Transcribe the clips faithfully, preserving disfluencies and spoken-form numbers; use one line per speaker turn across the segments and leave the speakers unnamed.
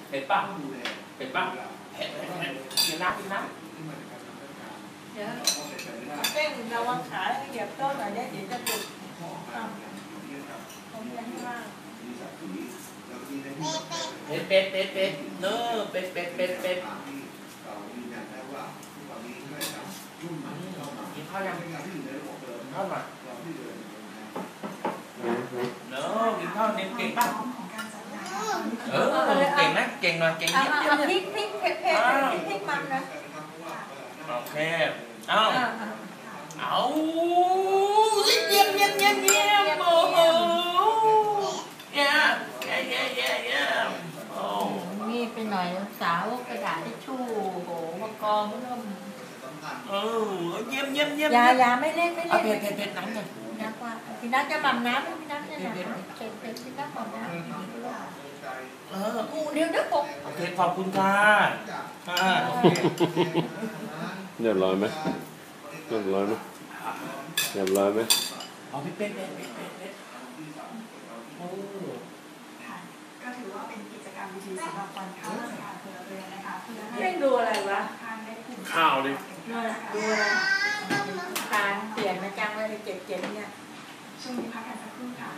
เผ็ดป่ะเผ็ดป่ะเผ็ดกินน้ำกินน้ำ
เดี๋ยวเต้นระวังขาเหยียบต้นหน่อยได้เดี๋ยวจะปลุกผมยังว่าง
เป็ดเป็ดเป็ดเป็ดเนื้อเป็ดเป็ดเป็ดเป็ดกินข้าวยังข้าวหน่อยเนื้อกินข้าวเน้นเก่งป่ะเออเก่งนะเก่งหน่อยเก่งเยอะ
ๆพริกพริกเผ็ดเผ็ดพริกมันนะ
โอเคเอาเอาเยี่ยมเยี่ยมเยี่ยมเยี่ยมโอ้โหเยี่ยมเยี่ยมเยี่ยมเยี่ยมเยี่ยมโอ้
มีไปหน่อยสาวกระดาษทิชชู่โหมากองเริ่ม
เออเยี่ยมเยี่ยมเยี่ยม
ยายาไม่เล่นไม่เล่น
เผ็ดเผ็ดเผ็ดน้ำหน่อย
น้ำว่าพี่นัทจะหม่ำน้ำพี่นัทจะหม่ำน้ำเผ็ดเผ็ดพี่นัทหม่ำน้ำ
เออ
กูเดี๋ยวเดี๋ยวผม
โอเคขอบคุณค่ะค่ะ
เรียบร้อยไหมเรียบร้อยไหมเรียบร้อยไหม
เอาพี่เป็ดเป็ดเป็ดเป็ดเป็ดโอ้
ก็ถือว่าเป็นกิจกรรมดีๆสำหรับวันเข้าราชการพลเรือนนะคะเพื่อให้
เล่นดูอะไรวะ
ข้าวดิ
ดูอะไรการเปลี่ยนมาจังเลยเจ็ดเจ็ดเนี่ย
ช่วงนี้พักกันสักครู่ค่ะ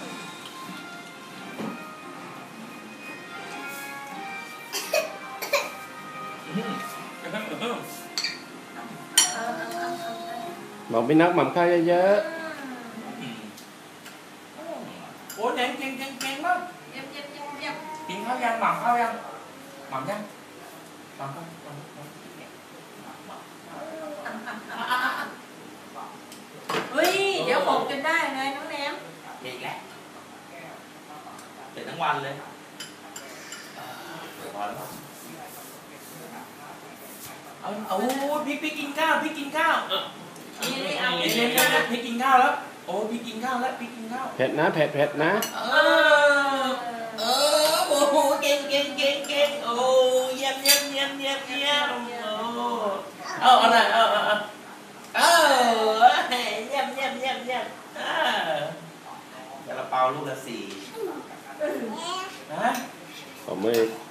บอกพี่นักหม่ำข้าวเยอะ
โอ้เก่งเก่งเก่งเก่งมาก
เยี่ยมเยี่ยมเยี่ยมเยี่ยม
กินข้าวยังหม่ำข้าวยังหม่ำยังหม่ำข้าว
เฮ้ยเดี๋ยวผมจนได้ไงน้องแหนม
อีกแล้วเป็นทั้งวันเลยพอแล้วเอาเอาพี่พี่กินข้าวพี่กินข้าวเออนี่นี่เอาพี่พี่กินข้าวแล้วโอ้พี่กินข้าวแล้วพี่กินข้าว
เผ็ดนะเผ็ดเผ็ดนะ
เออเออโอ้โหเก่งเก่งเก่งเก่งโอ้เยี่ยมเยี่ยมเยี่ยมเยี่ยมเยี่ยมโอ้เอาอะไรเอาเอาเอาเออเยี่ยมเยี่ยมเยี่ยมเยี่ยมเออเดี๋ยวเราเป่าลูกละสี่นะ
ผมไม่